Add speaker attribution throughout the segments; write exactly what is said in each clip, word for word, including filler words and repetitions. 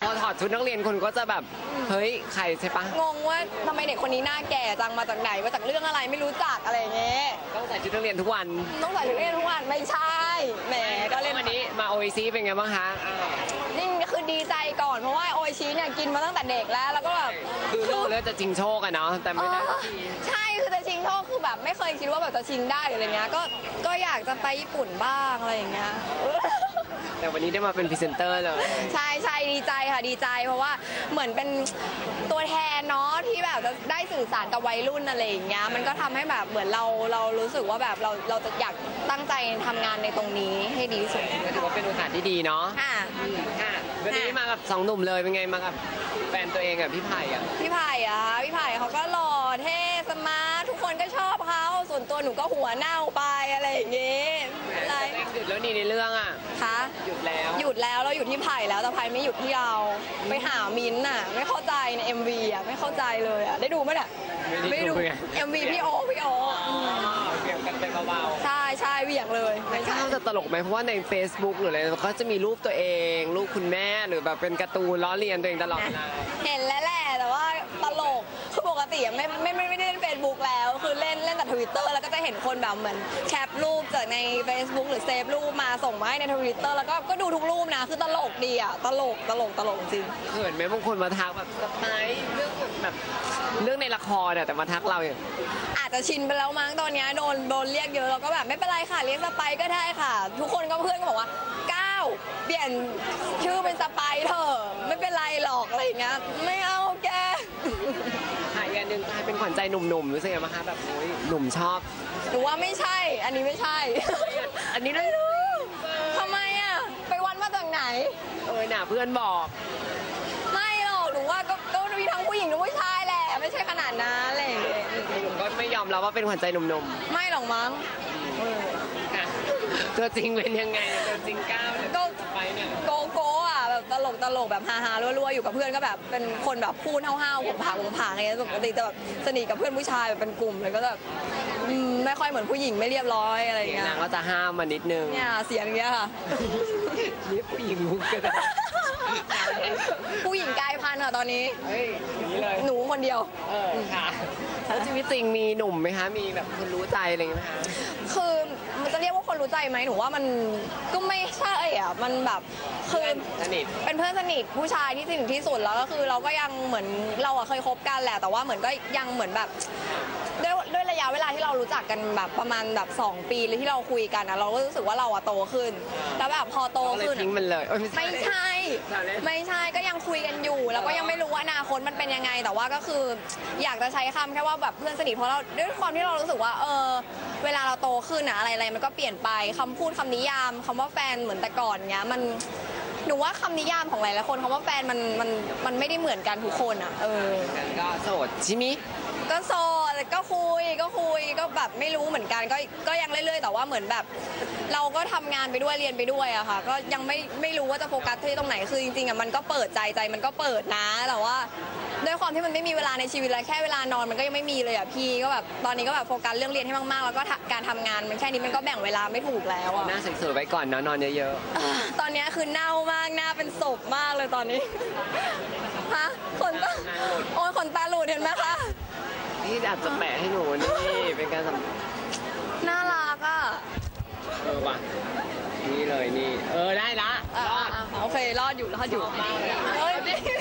Speaker 1: พอถอดชุดนักเรียนคนก็จะแบบเฮ้ยใครใช่ปะ
Speaker 2: งงว่าทำไมเด็กคนนี้หน้าแก่จังมาจากไหนมาจากเรื่องอะไรไม่รู้จักอะไรอย่างเงี้ย
Speaker 1: ต้องใส่ชุดนักเรียนทุกวัน
Speaker 2: ต้องใส่ชุดนักเรียนทุกวันไม่ใช่แหมก็เล่น
Speaker 1: วันนี้มาโอเอซีเป็นไงบ้างคะ
Speaker 2: นี่คือดีใจก่อนเพราะว่าโออิชิเนี่ยกินมาตั้งแต่เด็กแล้วแล้วก็แบบ
Speaker 1: คือรู้แล้วจะจริงโชคอะเนาะแต่ไม่ได้สักที
Speaker 2: ใช่คือจะชิงโชคคือแบบไม่เคยคิดว่าแบบจะชิงได้หรืออะไรเงี้ยก็ก็อยากจะไปญี่ปุ่นบ้างอะไรอย่างเงี้ย
Speaker 1: แต่วันนี้ได้มาเป็นพรีเซนเตอร์เลย
Speaker 2: ใช่ใช่ดีใจค่ะดีใจเพราะว่าเหมือนเป็นตัวแทนเนาะที่แบบจะได้สื่อสารกับวัยรุ่นอะไรอย่างเงี้ยมันก็ทำให้แบบเหมือนเราเรารู้สึกว่าแบบเราเราจะอยากตั้งใจทำงานในตรงนี้ให้ดีที่สุด
Speaker 1: ก็ถือว่าเป็นโอกาสที่ดีเนาะ
Speaker 2: ค่ะ
Speaker 1: ค่ะวันนี้มากับสองหนุ่มเลยเป็นไงมากับแฟนตัวเองอะพี่ไผ่อะ
Speaker 2: พี่ไผ่อะคะพี่ไผ่เขาก็หล่อเท่สมาร์ททุกคนก็ชอบเขาส่วนตัวหนูก็หัวเน่าไปอะไรอย่างเงี้ยอะไร
Speaker 1: หยุดแล้วนี่ในเรื่องอะ
Speaker 2: คะ
Speaker 1: หยุดแล้ว
Speaker 2: หยุดแล้วเราอยู่ที่ไผ่แล้วแต่ไผ่ไม่หยุดที่เราไปหามิ้นท์น่ะไม่เข้าใจใน เอ็ม วี อ่ะไม่เข้าใจเลยอ่ะได้ดูไหมเนี่ย
Speaker 1: ไม่ได้ดูไง
Speaker 2: เอ็ม วี พี่โอพี่โออืม
Speaker 1: เกี่ยวกันไปเบาๆ
Speaker 2: ใช่ใช่เหวี่ยงเลยไม่
Speaker 1: ข้า
Speaker 2: ใช่
Speaker 1: วจะตลกไหมเพราะว่าใน Facebook หรืออะไรก็จะมีรูปตัวเองรูปคุณแม่หรือแบบเป็นการ์ตูนล้อเลียนตัวเองตลอดเวลา
Speaker 2: เห็นแล้วแหละแต่ว่าตลกคือปกติอะไม่ไม่ไม่ไม่ได้เล่นเฟซบุ๊กแล้วคือเล่นเล่นแต่ทวิตเตอร์แล้วก็จะเห็นคนแบบเหมือนแคปรูปจากใน Facebook หรือเซฟรูปมาส่งมาให้ในทวิตเตอร์แล้วก็ก็ดูทุกรูปนะคือตลกดีอ่ะตลกตลกตลกจริง
Speaker 1: เขินไหมบางคนมาทักแบบสไปซ์เรื่องแบบเรื่องในละครเนี่ยแต่มาทักเราอย่าง
Speaker 2: อาจจะชินไปแล้วมั้งตอนเนี้ยโดนโดนเรียกเยอะเราก็แบบไม่เป็นไรค่ะเรียกสไปก็ได้ค่ะ ทุกคนก็เพื่อนก็บอกว่าก้าวเปลี่ยนชื่อเป็นสไปเถอะไม่เป็นไรหรอกอะไรอย่างเงี้ยไม่เอาแก
Speaker 1: หายอันหนึงกลายเป็นขวัญใจหนุ่มๆรู้สึกไงบ้างคะแบบโอ้ยหนุ่มชอบ
Speaker 2: หนูว่าไม่ใช่ อันนี้ไม่ใช่
Speaker 1: อันนี้นะ
Speaker 2: ทำไมอ่ะไปวันมาจากไหน
Speaker 1: เออน่ะเพื่อนบอก
Speaker 2: ไม่หรอกหนูว่าก็ก็มีทั้งผู้หญิงทั้งผู้ชายแหละไม่ใช่ขนาดนั้นอะไรอย่างเงี้ย
Speaker 1: หนุ่มก็ไม่ยอมรับว่าเป็นขวัญใจหนุ่ม
Speaker 2: ไม่หรอกมั้ง
Speaker 1: ๆค่ะตัวจริงเป็นยังไงตัวจริงก้าวเนี่ย
Speaker 2: ก็
Speaker 1: สไปซ์เนี่ย
Speaker 2: โกโก้อะแบบตลกตลกแบบฮาฮาๆรัวๆอยู่กับเพื่อนก็แบบเป็นคนแบบพูดห้าวๆผมผางผมผางอะไรเงี้ยปกติจะแบบสนิทกับเพื่อนผู้ชายแบบเป็นกลุ่มเลยก็แบบอืมไม่ค่อยเหมือนผู้หญิงไม่เรียบร้อยอะไรอย่างเงี้ย
Speaker 1: นางก็จะห้ามมานิดนึง
Speaker 2: เนี่ยเสียงอย่างเงี้ยค่ะ
Speaker 1: นี่ผู้หญิงมุกก็ได้
Speaker 2: ผู้หญิงกลายพันธุ์อะตอนนี้
Speaker 1: เฮ้ยอย่างนี้เลย
Speaker 2: หนูคนเดียว
Speaker 1: เออค่ะแล้วชีวิตจริงมีหนุ่มไหมคะ มีแบบคนรู้ใจอะไรอย่างเงี้ยไหมคะ
Speaker 2: คือมันจะเรียกว่าคนรู้ใจไหมหนูว่ามันก็ไม่ใช่อ่ะมันแบบคือ
Speaker 1: สนิท
Speaker 2: เป็นเพื่อนสนิทผู้ชายที่สนิทที่สุดแล้วก็คือเราก็ยังเหมือนเราอะเคยคบกันแหละแต่ว่าเหมือนก็ยังเหมือนแบบด้วยด้วยระยะเวลาที่เรารู้จักกันแบบประมาณแบบสองปีเลยที่เราคุยกันอะเราก็รู้สึกว่าเราอะโตขึ้นแล้วแบบพอโต
Speaker 1: ก็เลย
Speaker 2: ขึ้น
Speaker 1: ทิ้ง
Speaker 2: อะ
Speaker 1: มันเลยเอ้ย
Speaker 2: ไม่ใช่
Speaker 1: ใช่
Speaker 2: ไม่ใช่ก็ยังคุยกันอยู่ แล้วก็ยังไม่รู้ว่าอนาคตมันเป็นยังไง แต่ว่าก็คืออยากจะใช้คำแค่ว่าแบบเพื่อนสนิทเพราะเราด้วยความที่เรารู้สึกว่าเออเวลาเราโตขึ้นอะอะไรอะไรมันก็เปลี่ยนไปคำพูดคำนิยามคำว่าแฟนเหมือนแต่ก่อนเงี้ยมันหนูว่าคำนิยามของหลายๆคนคำว่าแฟนมันมันมันไม่ได้เหมือนกันทุกคนอะเออ
Speaker 1: กันก็โสดใช่มิ
Speaker 2: ก็โสดก็คุยก็คุยก็แบบไม่รู้เหมือนกันก็ก็ยังเรื่อยๆแต่ว่าเหมือนแบบ เราก็ทำงานไปด้วยเรียนไปด้วยอะค่ะก็ยังไม่ไม่รู้ว่าจะโฟกัสที่ตรงไหนคือจริงๆอะมันก็เปิดใจใจมันก็เปิดนะแต่ว่าด้วยความที่มันไม่มีเวลาในชีวิตแล้วแค่เวลานอนมันก็ยังไม่มีเลยอะพี่ก็แบบตอนนี้ก็แบบโฟกัสเรื่องเรียนให้มากๆแล้วก็การทำงานมันแค่นี้มันก็แบ่งเวลาไม่ถูกแล้วอะ
Speaker 1: หน้าสวยๆไว้ก่อนเนอะนอนเยอะ
Speaker 2: อ่าตอนนี้คือเน่ามากหน้าเป็นศพมากเลยตอนนี้ฮะขนตาโอ้ยขนตาหลุดเห็นไหมคะ
Speaker 1: ๆที่อาจจะแปะให้หนูนี่เป็นการสัม
Speaker 2: น่ารักอ่ะ
Speaker 1: เออว่ะนี่เลยนี่ เออได้ละ
Speaker 2: อ่ะ
Speaker 1: รอด
Speaker 2: อ่ะโอเครอดอยู่รอดอยู่
Speaker 1: ชอบมากเลยอะ
Speaker 2: เฮ้ย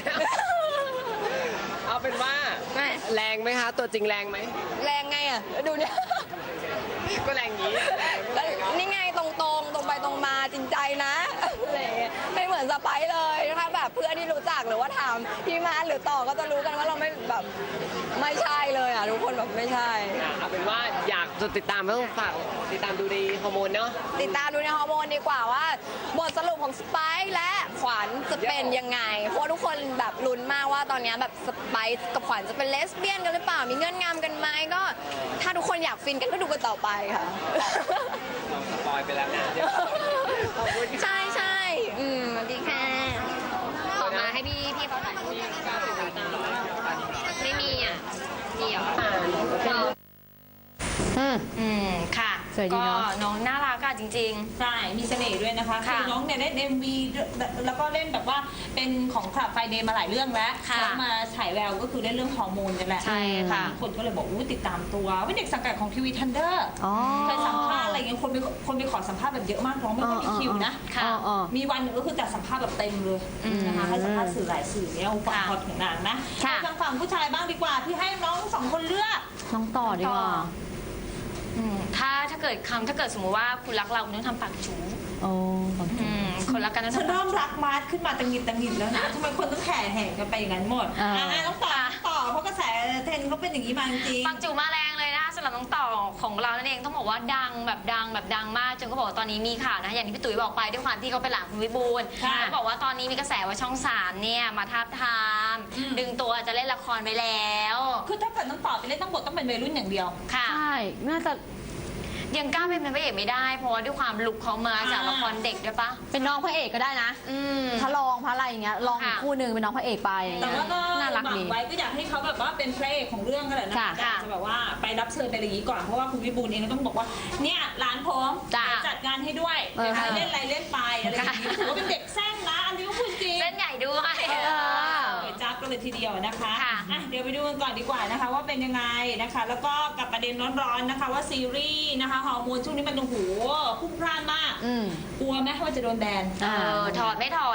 Speaker 1: เอาเป็นว่า
Speaker 2: ไม่
Speaker 1: แรงไหมคะ ตัวจริงแรงไหม
Speaker 2: แรงไงอ่ะดูเนี่ย
Speaker 1: ก็แรงงี้
Speaker 2: แล้วนี่ไงตรงๆ ตรงไปตรงมาจริงใจนะอะไรอย่างเงี้ยไม่เหมือนสไปซ์เลยนะคะแบบเพื่อนที่รู้จักหรือว่าถามพี่มาหรือต่อก็จะรู้กันว่าเราไม่แบบไม่ใช่เลยอ่ะทุกคนแบบไม่ใช่
Speaker 1: อ่ะเอาเป็นว่าอยากจะติดตามต้องฝากติดตามดูดีฮอร์โมนเนาะ
Speaker 2: ติดตามดูในฮอร์โมนดีกว่าว่าบทสรุปของสไปซ์และขวัญจะเป็นยังไง เพราะทุกคนแบบลุ้นมากว่าตอนนี้แบบสไปซ์กับขวัญจะเป็นเลสเบี้ยนกันหรือเปล่ามีเงื่อนงำกันไหมก็ถ้าทุกคนอยากฟินกันก็ดูกันต่อไปค่ะ
Speaker 1: เราสปอยไปแล้วนะเดี๋ยวขอบคุณค่ะ
Speaker 2: ใช่ใช่อืมสวัสดีค่ะออกมาให้พี่พี่เขาถ่ายรูปไม่มีอ่ะมีเหรออืมอืมค่ะ
Speaker 3: สวยดี
Speaker 4: ก็
Speaker 3: เนาะ
Speaker 4: น้องน่ารักอะจริง
Speaker 5: ใช่ มีเสน่ห์ด้วยนะคะ
Speaker 4: ค่ะ
Speaker 5: คือน้องเนี่ยเล่น เอ็ม วี แล้วก็เล่นแบบว่าเป็นของคลับไฟเดย์มาหลายเรื่องแล้ว
Speaker 4: ค่ะ
Speaker 5: แล้วมาฉายแววก็คือเล่นเรื่องฮอร์โมนกันแหละ
Speaker 4: ใช่ค่ะ
Speaker 5: คนก็เลยบอกอู้ติดตามตัวเป็นเด็กสังกัดของทีวีทันเดอร์
Speaker 3: อ๋อ
Speaker 5: เคยสัมภาษณ์อะไรเงี้ยคนไปคนไปขอสัมภาษณ์แบบเยอะมากน้องไม่ค่อยมีคิวนะ
Speaker 4: ค่ะ
Speaker 3: อ๋ออ๋อ
Speaker 5: มีวันหนึ่งก็คือจัดสัมภาษณ์แบบเต็มเลยนะคะให้สัมภาษณ์สื่อหลายสื่อเนี่ยความ
Speaker 4: ค่ะ
Speaker 5: ฮอตของนางนะ
Speaker 3: ค่ะ
Speaker 5: ไปทางฝั่งผู้ชายบ้างดีกว่าที่ให้น้องสองคนเลือก
Speaker 3: น้องต่อดีกว่า
Speaker 4: ๆอืมถ้าถ้าเกิดคำถ้าเกิดสมมติว่าคุณรักเราคุณต้องทำปากจู๋
Speaker 3: โอ้
Speaker 4: อืมคนรักกันต้อง
Speaker 5: ฉัน
Speaker 4: ทำปาก
Speaker 5: เริ่ม
Speaker 4: จู๋
Speaker 5: รักมาร์ทขึ้นมาตังหงิดตังหงิดแล้วนะทำไมคนต้องแห่แห่กันไปอย่างนั้นหมด
Speaker 3: อ่า
Speaker 5: อ่าต้องต่อต่อเพราะกระแสเทรนด์เขาเป็นอย่างนี้มาจริง
Speaker 4: ปากจู๋มาแรงเลยนะคะสำหรับน้องต่อของเรานั่นเองต้องบอกว่าดังแบบดังแบบดังมากจนเขาบอกว่าตอนนี้มีข่าวนะอย่างที่พี่ตุ๋ยบอกไปด้วยความที่เขาเป็นหลานคุณวิบูลย์
Speaker 5: ค่ะ
Speaker 4: เขาบอกว่าตอนนี้มีกระแสว่าช่องสามเนี่ยมาทาบทาม
Speaker 5: อืม
Speaker 4: ดึงตัวจะเล่นละครไปแล้ว
Speaker 5: คือถ้าเกิดต้องต่อไปเล่นต้องบทต้องเป็นวัยรุ่นอย่างเดียว
Speaker 4: ค่ะ
Speaker 3: ใช่ น่าจะ
Speaker 4: ยังกล้าเป็นพระเอกไม่ได้เพราะว่าด้วยความลุกเขามาจาก
Speaker 5: อ่า
Speaker 4: ละครเด็กด้วยปะ
Speaker 3: เป็นน้องพระเอกก็ได้นะ
Speaker 4: อืม
Speaker 3: ถ้าลองพระอะไรอย่างเงี้ย ลองอีก
Speaker 4: ค่ะ
Speaker 3: คู่หนึ่งเป็นน้องพระเอกไปอะไร
Speaker 5: แต่
Speaker 3: เงี้ย
Speaker 5: ว่าก็
Speaker 3: น่ารัก
Speaker 5: หวัง
Speaker 3: ดี
Speaker 5: ไว้ก็อยากให้เขาแบบว่าเป็นพระเอกของเรื่องกันแหละนะ
Speaker 3: ค่ะ
Speaker 5: แต่อาจจะแบบว่าไปรับเชิญไปอะไรอย่างนี้ก่อนเพราะว่าคุณวิบูลย์เองก็ต้องบอกว่าเนี่ยร้านผม
Speaker 4: จ้ะ
Speaker 5: จัดงานให้ด้วย
Speaker 3: เออ
Speaker 5: ใครเล่นอะไรเล่นไปอะไรอย่างนี้ถือว่าเป็นเด็กแซงนะอันนี้ก็พูดจริง
Speaker 4: เส้นใหญ่ด้วย
Speaker 3: เออ
Speaker 5: เปิดจับกันเลยทีเดียวนะคะ
Speaker 4: ค่ะ
Speaker 5: อ่ะเดี๋ยวไปดูกันก่อนดีกว่านะคะ ว่าเป็นยังไงนะคะ แล้วก็กับประเด็นร้อนๆนะคะ ว่าซีรีส์นะคะฮอร์โมนช่วงนี้มันโอ้โหพุ่งพล่านมาก
Speaker 3: อืม
Speaker 5: กลัวไหมว่าจะโดนแบน
Speaker 4: เออถอดไม่ถอด